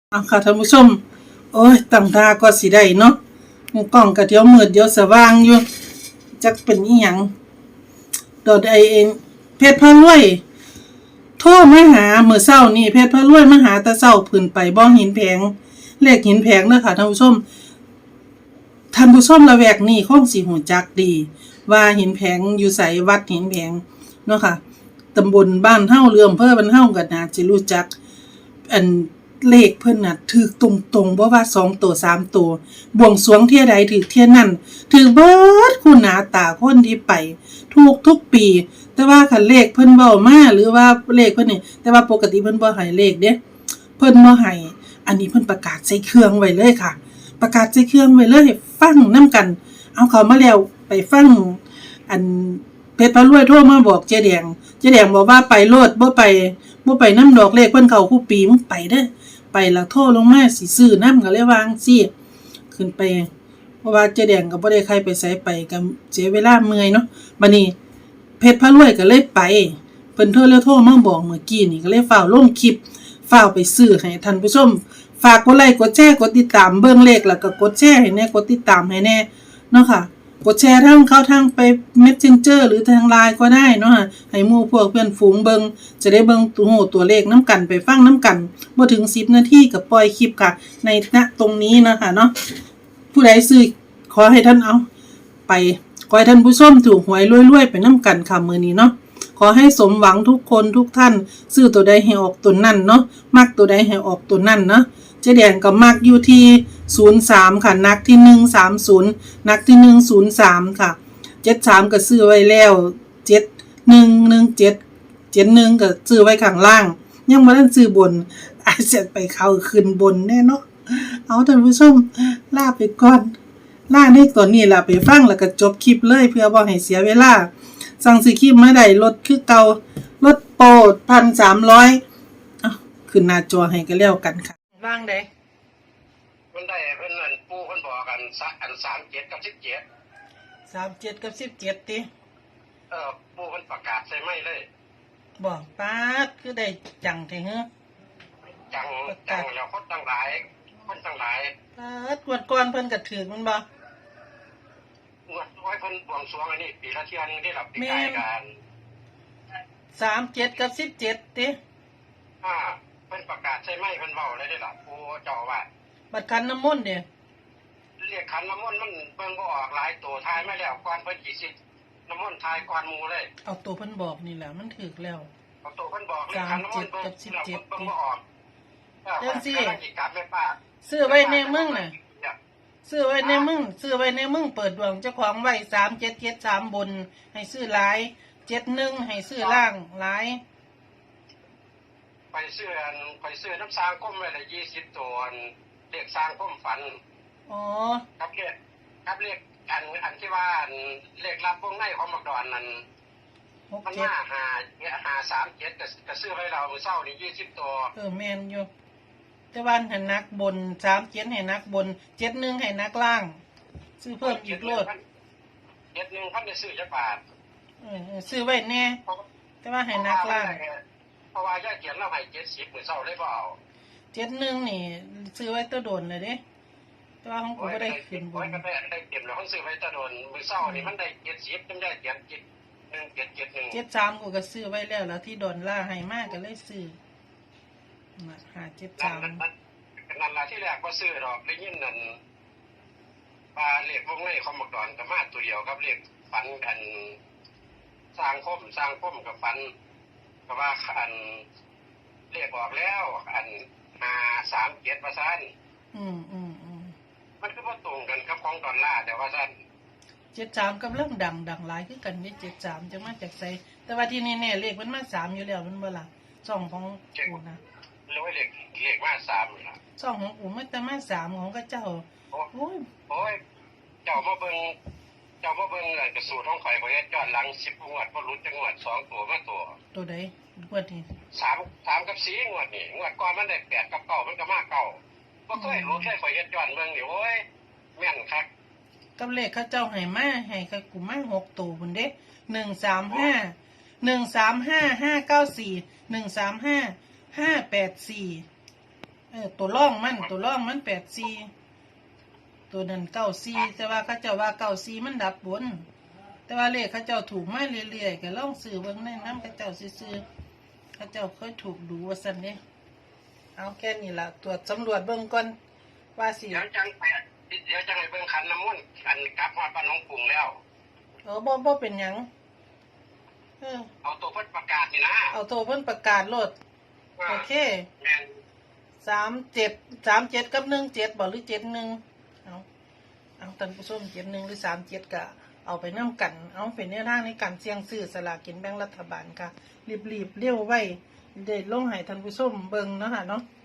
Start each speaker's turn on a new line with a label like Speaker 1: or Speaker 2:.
Speaker 1: เอาค่ะท่านผู้ชมโอ้ยตั้งตาก็สิได้เนาะกล้องก็เดี๋ยวมืดเดี๋ยวสว่างอยู่จักเป็นอีหยังดอดไอเองเพชรพระรวยโทรมาหามื้อเช้านี่เพชรพระรวยมาหาแต่เช้าขึ้นไปบ่หินแผงเลขหินแผงเด้อค่ะท่านผู้ชมละแวกนี้คงสิฮู้จักดีว่าหินแผงอยู่ไสวัดหินแผงเนาะค่ะตำบลบ้านเฮาเรืออำเภอบ้านเฮาก็น่าสิรู้จักอันเลขเพิ่นน่ะถูกตรงๆบ่ว่า2ตัว3ตัวบวงสรวงเที่ยใดถูกเที่ยนั้นถูกเบิดคู่หน้าตาคนที่ไปถูกทุกปีแต่ว่าคันเลขเพิ่นเว้ามาหรือว่าเลขเพิ่นนี่แต่ว่าปกติเพิ่นบ่ให้เลขเด้เพิ่นบ่ให้อันนี้เพิ่นประกาศใส่เครื่องไว้เลยค่ะประกาศใส่เครื่องไว้เลยให้ฟังนำกันเอาเข้ามาแล้วไปฟังอันเพชรพระรวยโทรมาบอกเจ๊แดงบอกว่าไปโลดบ่ไปนำดอกเลขเพิ่นเข้าคู่ปีมึงไปเด้อไปแล้วโทรลงมาสิซื้อนำก็เลยวางสิขึ้นไปเพราะว่าเจ๊แดงก็บ่ได้ใครไปไสไปก็เสียเวลาเมื่อยเนาะบัดนี้เพชรพระรวยก็เลยไปเพิ่นโทรมาบอกเมื่อกี้นี่ก็เลยฟ้าวลงคลิปฟ้าวไปซื้อให้ท่านผู้ชมฝากกดไลค์กดแชร์กดติดตามเบิ่งเลขแล้วก็กดแชร์ให้แน่กดติดตามให้แน่เนาะค่ะกดแชร์เข้าทางไป Messenger หรือทาง LINE ก็ได้เนาะให้หมู่พวกเพื่อนฝูงเบิ่งจะได้เบิ่งตัวเลขนำกันไปฟังนำกันบ่ถึง10นาทีก็ปล่อยคลิปค่ะในตรงนี้นะคะเนาะผู้ใดซื้อขอให้ท่านเอาไปขอให้ท่านผู้ชมถูกหวยรวยๆไปนำกันค่ะมื้อนี้เนาะขอให้สมหวังทุกคนทุกท่านซื้อตัวใดให้ออกตัวนั้นเนาะมักตัวใดให้ออกตัวนั้นเนาะเจ๊แดงก็มักอยู่ที่03ค่ะนักที่130นักที่103ค่ะ73ก็ซื้อไว้แล้ว7117 71ก็ซื้อไว้ข้างล่างยังบ่ทันซื้อบนอาจจะไปเข้าขึ้นบนแน่เนาะเอาท่านผู้ชมลาไปก่อนลาในตอนนี้ล่ะไปฟังแล้วก็จบคลิปเลยเพื่อบ่ให้เสียเวลาสั่งซื้อคลิปมาได้ลดคือเก่าลดโปร 1,300 ขึ้นหน้าจอให้ก็แล้วกันค่ะว่างได้
Speaker 2: มันได้เพิ่นนั่นปู่เพิ่นบอกกัน37กับ17
Speaker 1: 37กับ17ติ
Speaker 2: ปู่เพิ่นประกาศใส่ไม้เลย
Speaker 1: บอกป๊าดคือได้จังแท้เหรอ
Speaker 2: จังแล้วคนตั้งหลาย
Speaker 1: ป๊าดงวดก่อนเพิ่นก็ถูกมันบ่
Speaker 2: งวดไว้เพิ่นบวงสรวงอันนี้ปีละเที่ยนึงได้รับปีกายกัน
Speaker 1: 37กับ17ติ
Speaker 2: เพิ่นประกาศใส่ไม้เพิ่นเว้าเลยได้ล่ะปู่เจ้าว่า
Speaker 1: บัดขันน้ำมนต์เด้
Speaker 2: เรียกขันน้ำมนต์มันเบิ่งบ่ออกหลายตัวทายมาแล้วก่อนเพิ่นสิน้ำมนต์ทายก่อนหมู่เลย
Speaker 1: เอาตัวเพิ่นบอกนี่แหละมันถูกแล้ว
Speaker 2: เอาตัวเพิ่นบอกเลขขันน้ำมนต์เบิ่งบ่ออก
Speaker 1: จังซี่ซื้อไว้ในมึงน่ะซื้อไว้ในมึงเปิดดวงเจ้าของไว้3773บนให้ซื้อหลาย71ให้ซื้อล่างหลาย
Speaker 2: ไปซื้อน้ำสร้างก้มไว้ละ20ตัวเลขสร้างก้มฝันครับเลขอันที่ว่าเลขรับวงในของมักดอนนั่นมันมา537ก็ซื้อไว้เรามื้อเช้านี่20ตัว
Speaker 1: แม่นอยู่แต่ว่าให้นักบน37ให้นักบน71ให้นักล่างซื้อเพิ่มอีกโลด
Speaker 2: 71พันได้ซื้อจักบาท
Speaker 1: ซื้อไว้แน่แต่ว่าให้นักล่าง
Speaker 2: เพราะว่ายายเขียนเราให้70มื้อเช้าเลยบ่เอา
Speaker 1: 71นี่ซื้อไว้ตัวโดนเลยเด้แต่ว่าของกูบ่ได้ขึ้นบน
Speaker 2: ก็ได้เต็มแล้วของซื้อไว้ตัวโดนมื้อเช้านี่มันได้70จังได้เขียน1771
Speaker 1: 73กูก็ซื้อไว้แล้วที่ดอนล่าให้มากก็เลยซื้อ573
Speaker 2: นั่นล่ะที่แรกบ่ซื้อดอกได้ยินนั่นปลาเลขวงในของมักดอนก็มาตัวเดียวครับเลขฝันกันสร้างคมกับฝันก็ว่าอันเรียกออกแล้วอัน537ว่าซั่นมันคือบ่ตรงกันกับของดอลลาร์แต่ว่าซั่น
Speaker 1: 73กำลังดังหลายคือกันนี่73จังมาจากไสแต่ว่าที่แน่ๆเลขมันมา3อยู่แล้วมันบ่ล่ะช่องของกูนะ
Speaker 2: หรือว่าเลขมา3นี่ล่ะ
Speaker 1: ช่องของกูมันแต่มา3ของเขาเจ้า
Speaker 2: โอ้ยเจ้ามาเบิ่งกระสูตรของข่อยเฮ็ดย้อนหลัง10งวดบ่หลุดจักงวด2ตัวมา
Speaker 1: ตัวใดงวดนี้
Speaker 2: 3กับ4งวดนี่งวดก่อนมันได้8กับ9มันก็มา9บ่เคยรู้แค่ข่อยเฮ็ดย้อนเบิ่งนี่โอ้ยแม่นคัก
Speaker 1: กับเลขเขาเจ้าให้มาให้กับกูมา6ตัวพุ่นเด้135 594 135 584 ตัวร่องมัน84ตัวนั้น94แต่ว่าเขาเจ้าว่า94มันดับบนแต่ว่าเลขเขาเจ้าถูกมาเรื่อยๆก็ลองซื้อเบิ่งในนำเขาเจ้าซื่อๆเขาเจ้าเคยถูกดูว่าซั่นเด้เอาแค่นี้ล่ะตรวจสำรวจเบิ่งก่อนว่าสิ
Speaker 2: เดี๋ยวจังไปเบิ่งขันน้ำมนต์อันกลับฮอดบ้านหนองกรุงแล้ว
Speaker 1: บ่เป็นหยัง
Speaker 2: เอาตัวเพิ่นประกาศนี่นะ
Speaker 1: เอาโทรเพิ่นประกาศโลดโอเค
Speaker 2: แม่น
Speaker 1: 37กับ17บ่หรือ71เอาท่านผู้ชม71หรือ37ก็เอาไปนำกันเอาเป็นแนวทางในการเสี่ยงซื้อสลากกินแบ่งรัฐบาลค่ะรีบๆเร็วไว้ได้ลงให้ท่านผู้ชมเบิ่งเนาะค่ะเนาะ